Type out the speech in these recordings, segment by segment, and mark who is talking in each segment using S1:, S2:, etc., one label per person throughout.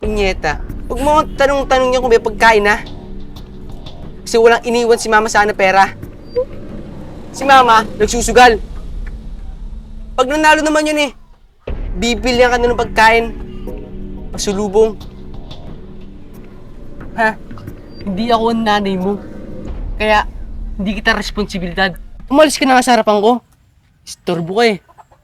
S1: Punyeta, huwag mo akong tanong-tanong niya kung may pagkain na. Kasi walang iniwan si Mama sana pera. Si Mama, nagsusugal. Pag nanalo naman yun bibilihan ka na ng pagkain. Pasulubong. Ha? Hindi ako ang nanay mo. Kaya, hindi kita responsibilidad. Umalis ka na nga sa harapan ko. Istorbo ka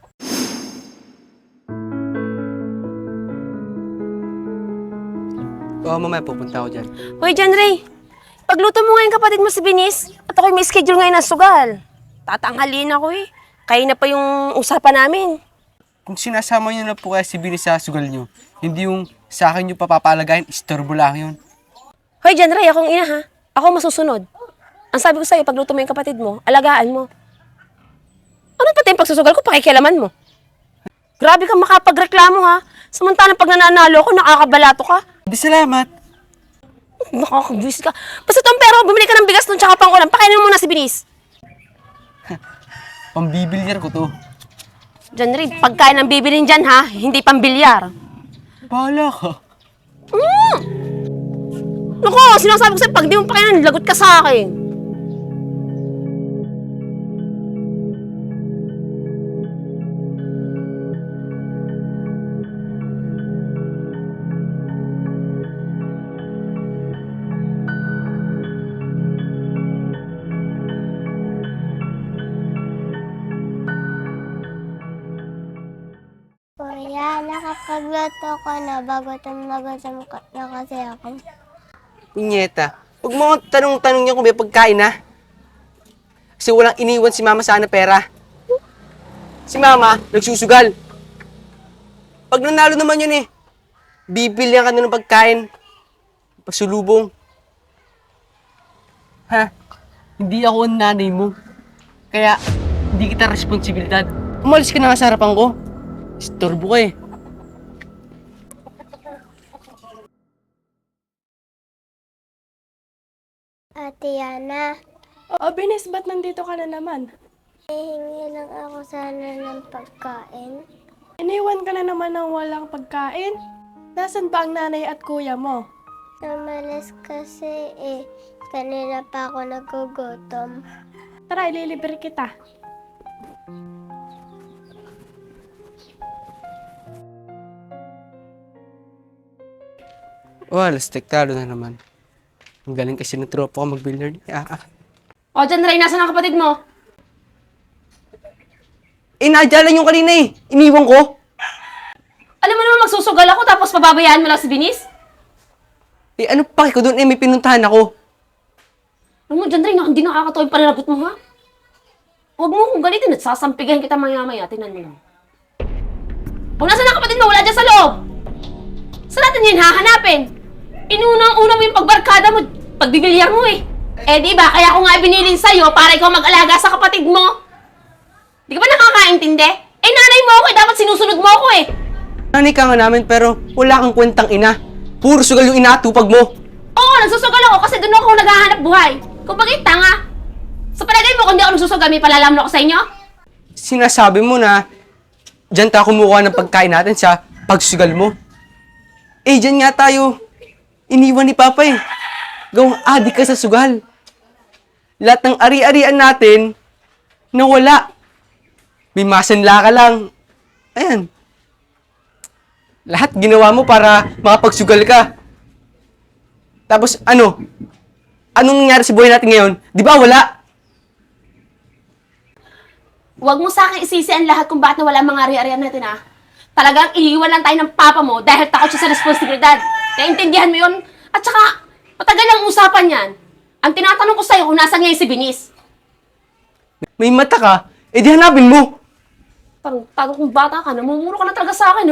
S1: Oo, mamaya pupunta ako dyan.
S2: Hoy, John Ray. Pagluto mo ngayon kapatid mo si Binis. At ako'y may schedule ngayon ng sugal. Tatanghalin ako Kaya na pa yung usapan namin.
S1: Kung sinasama niyo na po kaya si Bini sa sugal niyo, hindi yung sa akin yung papapalagayin, istorbo lang yun.
S2: Hoy, John Ray, akong ina ha. Ako masusunod. Ang sabi ko sa'yo, pagluto mo yung kapatid mo, alagaan mo. Ano pati yung pagsusugal ko, pakikialaman mo? Grabe kang makapagreklamo ha. Samantalang pag nananalo ako, nakakabalato ka.
S1: Hindi, salamat.
S2: Nakakabwis ka. Basta itong pera, bumili ka ng bigas nun tsaka pang ulam. Pakainin mo muna si Binis.
S1: Pambibilyar ko to.
S2: John Ray, pagkain ang bibilin dyan ha, hindi pambilyar.
S1: Bahala ka.
S2: Naku, sinasabi ko sa'yo, pag di mo pakainin, lagot ka sa akin.
S3: Kuya, nakapagluto ko na. Bagutom na kasi ako.
S1: Punyeta, huwag mo akong tanong-tanong niya kung may pagkain na. Kasi walang iniwan si Mama sana pera. Si Mama, nagsusugal. Pag nanalo naman yun bibilihan ka na ng pagkain. Pasulubong. Ha? Hindi ako ang nanay mo. Kaya, hindi kita responsibilidad. Umalis ka na nga sa harapan ko. Istorbo ka
S3: Ate Yana,
S4: Binis, ba't nandito ka na naman?
S3: hihingi lang ako sana ng pagkain.
S4: Iniwan ka na naman ng walang pagkain? Nasaan ba ang nanay at kuya mo?
S3: Namalas kasi kanina pa ako nagugutom.
S4: Tara, ililibre kita.
S1: Lastik talo na naman. Ang galing kasi ng tropa ko mag-billiard.
S2: O, John Ray, nasan ang kapatid mo?
S1: Nadya lang yung kanina Iniwan ko.
S2: Alam mo naman magsusugal ako tapos pababayaan mo lang si Binis?
S1: Ano pa ko doon? May pinuntahan ako.
S2: Alam mo, John Ray, hindi nakakatawa yung pananagot mo ha? Huwag mo kung ganito, nagsasampigan kita maya-maya. Tingnan mo lang. O, nasan ang kapatid mo? Wala dyan sa loob. Saan natin yun hahanapin? Inunang-una mo yung pagbarkada mo, pagbibilyar mo di ba? Kaya ako nga binilin sa'yo para ikaw mag-alaga sa kapatid mo. Di ka ba nakakaintindi? Nanay mo ako dapat sinusunod mo ako
S1: Nanay ka nga namin pero wala kang kwentang ina. Puro sugal yung inaatupag mo.
S2: Oo, nagsusugal ako kasi doon ako naghahanap buhay. Kung bakit tanga? Sa palagay mo, kung di ako nagsusugal, may palalamon ako sa inyo?
S1: Sinasabi mo na dyan tayo kumukuha ng pagkain natin sa pagsugal mo. Dyan nga tayo iniwan ni Papa Gawang adik ka sa sugal. Lahat ng ari-arian natin nawala. May masanla ka lang. Ayan. Lahat ginawa mo para makapagsugal ka. Tapos ano? Anong nangyari sa buhay natin ngayon? Di ba wala?
S2: Huwag mo sa akin isisi ang lahat kung bakit nawala ang mga ari-arian natin Talagang iiwan lang tayo ng papa mo dahil takot siya sa responsibilidad. Naintindihan mo yun? At saka, matagal ang usapan yan. Ang tinatanong ko sa'yo kung nasan ngayon si Binis.
S1: May mata ka? Di hanapin mo.
S2: Tago kong bata ka, namumuro ka na talaga sa akin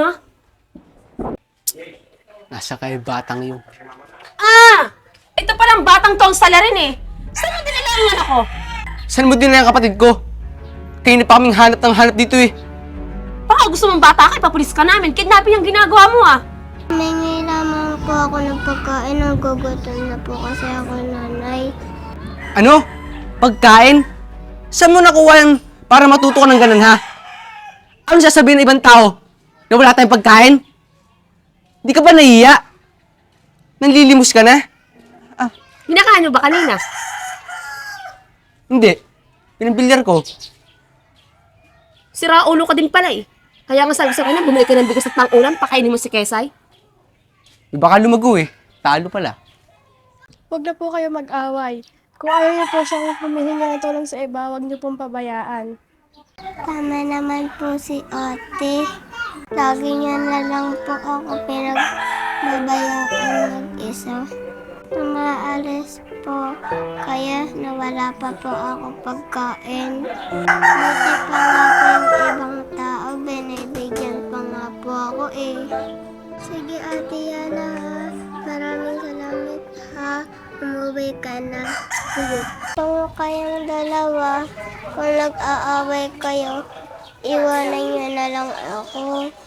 S1: Nasa kay batang yung.
S2: Ito palang batang to ang salarin Saan mo dinala ang anak ko?
S1: Saan mo din na yung kapatid ko? Kayo na pa kaming hanap ng hanap dito
S2: Baka gusto mong bata ka, ipapulis ka namin. Kidnapping ang ginagawa mo
S3: Humingi lamang po ako ng pagkain. Nagugutom na po kasi ako nanay.
S1: Ano? Pagkain? Saan mo nakuha yung para matuto ka ng ganun, ha? Ano sasabihin ng ibang tao? Na wala tayong pagkain? Di ka ba nahiya? Nanlilimos ka na?
S2: Hinakain mo ba kanina?
S1: Hindi. Pinambilyar ko.
S2: Sira ulo ka din pala eh. Kaya nga sabi sa kanya, bumili ka ng bigas at pang-ulam, pakainin mo si Kesay.
S1: Baka lumago eh. Talo pala.
S4: Huwag na po kayo mag-away. Kung ayaw niyo po siyang humihingi ng tulong sa iba, huwag niyo pong pabayaan.
S3: Tama naman po si ate. Lagi niya na lang po ako pinagbabayaan mag-isa. Umaalis po, kaya nawala pa po ako pagkain. Buti pa nga po yung ibang tao, binibigyan pa nga po ako eh. Sige ate Yana ha, maraming salamat ha. Umuwi ka na. Sige. Kung kayong dalawa, kung nag-aaway kayo, iwanan niyo na lang ako.